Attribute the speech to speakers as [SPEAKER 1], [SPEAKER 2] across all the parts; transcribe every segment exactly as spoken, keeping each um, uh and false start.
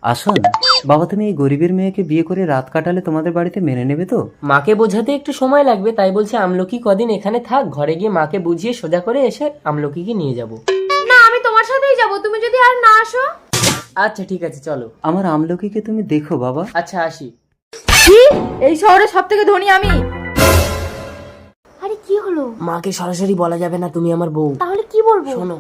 [SPEAKER 1] আসুন বাবা, তুমি এই গরিবের মেয়েকে বিয়ে করে রাত কাটালে তোমাদের বাড়িতে মেনে নেবে তো?
[SPEAKER 2] মাকে বোঝাতে একটু সময় লাগবে, তাই বলছে আমলকি কদিন এখানে থাক, ঘরে গিয়ে মাকে বুঝিয়ে সোজা করে এসে আমলকিকে নিয়ে যাব।
[SPEAKER 3] না, আমি তোমার সাথেই যাব, তুমি যদি আর না আসো।
[SPEAKER 2] আচ্ছা ঠিক আছে চলো।
[SPEAKER 1] আমার আমলকিকে তুমি দেখো বাবা।
[SPEAKER 2] আচ্ছা আসি।
[SPEAKER 3] কি? এই শহরে সব থেকে ধনী আমি? আরে কি হলো?
[SPEAKER 2] মাকে সরাসরি বলা যাবে না তুমি আমার বউ।
[SPEAKER 3] তাহলে কি বলবো?
[SPEAKER 2] শোনো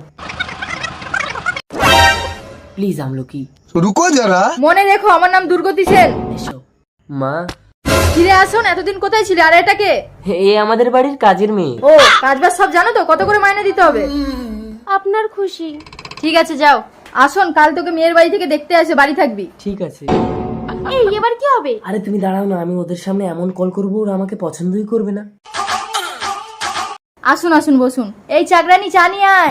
[SPEAKER 2] প্লিজ আমলকি।
[SPEAKER 4] রুকো যারা।
[SPEAKER 3] মনে রেখো, আমার নাম দুর্গতি সেন।
[SPEAKER 2] এসো মা।
[SPEAKER 3] ফিরে আসুন, এতদিন কোথায় ছিলে? আর এটাকে?
[SPEAKER 2] এ আমাদের বাড়ির কাজের মেয়ে।
[SPEAKER 3] ও, কাজবাজ সব জানো তো? কত করে মাইনে দিতে হবে? আপনার খুশি। ঠিক আছে যাও। আসুন, কাল তোকে মেয়ের বাড়ি থেকে দেখতে আসে, বাড়ি থাকবি।
[SPEAKER 2] ঠিক আছে।
[SPEAKER 3] এই এবার কি হবে?
[SPEAKER 2] আরে তুমি দাঁড়াও না, আমি ওদের সামনে এমন কল করবো ওরা আমাকে পছন্দই করবে না।
[SPEAKER 3] আসুন আসুন, বসুন। এই চাকরানি চা নিয়ে আয়।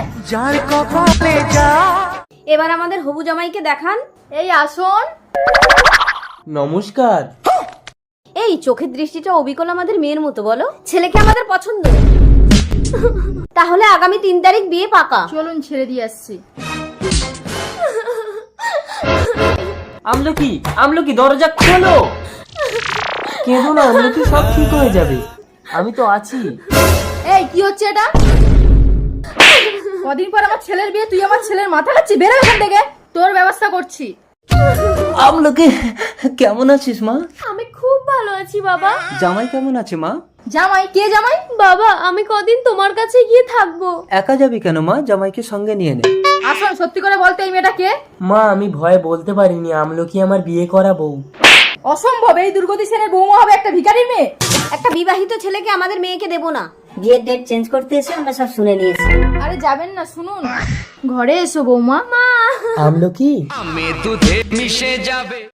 [SPEAKER 3] এবার আমাদের হবু জামাইকে দেখান। এই আসুন।
[SPEAKER 2] নমস্কার।
[SPEAKER 3] এই চোখের দৃষ্টিটা অবিকল আমাদের মেয়ের মতো, বলো ছেলেকে আমাদের পছন্দ। তাহলে আগামী তিন তারিখ বিয়ে পাকা। চলুন ছেড়ে দিয়ে আসছি।
[SPEAKER 2] আমলকি, আমলকি দরজা খোলো। কেঁদো না আমলকি, সব ঠিক হয়ে যাবে, আমি তো আছি।
[SPEAKER 3] এই কি হচ্ছে এটা? কদিন পর আমার ছেলের বিয়ে, তুই আমার ছেলের মাথা খাচ্ছি। বেরো এখান থেকে, তোর ব্যবস্থা করছি।
[SPEAKER 1] আমলকি কেমন আছিস মা?
[SPEAKER 3] আমি খুব ভালো আছি বাবা।
[SPEAKER 1] জামাই কেমন আছে মা?
[SPEAKER 3] জামাই? কে জামাই? বাবা, আমি কদিন তোমার কাছে গিয়ে থাকবো।
[SPEAKER 1] একা যাবি কেন মা? জামাইকে সঙ্গে নিয়ে নে।
[SPEAKER 3] আসুন, সত্যি করে বলতে এই মেয়েটা কে?
[SPEAKER 2] মা আমি ভয়ে বলতে পারিনি, আমলকি আমার বিয়ে করা বউ।
[SPEAKER 3] অসম্ভব, এই দুর্গতি সেনের বৌমা হবে একটা ভিখারির মেয়ে।
[SPEAKER 5] একটা বিবাহিত ছেলেকে আমাদের মেয়েকে দেবো না। বিয়ের ডেট চেঞ্জ করতে এসে আমরা সব শুনে নিয়েছি।
[SPEAKER 3] আরে যাবেন না, শুনুন। ঘরে এসো বৌমা। মা
[SPEAKER 2] আমলকি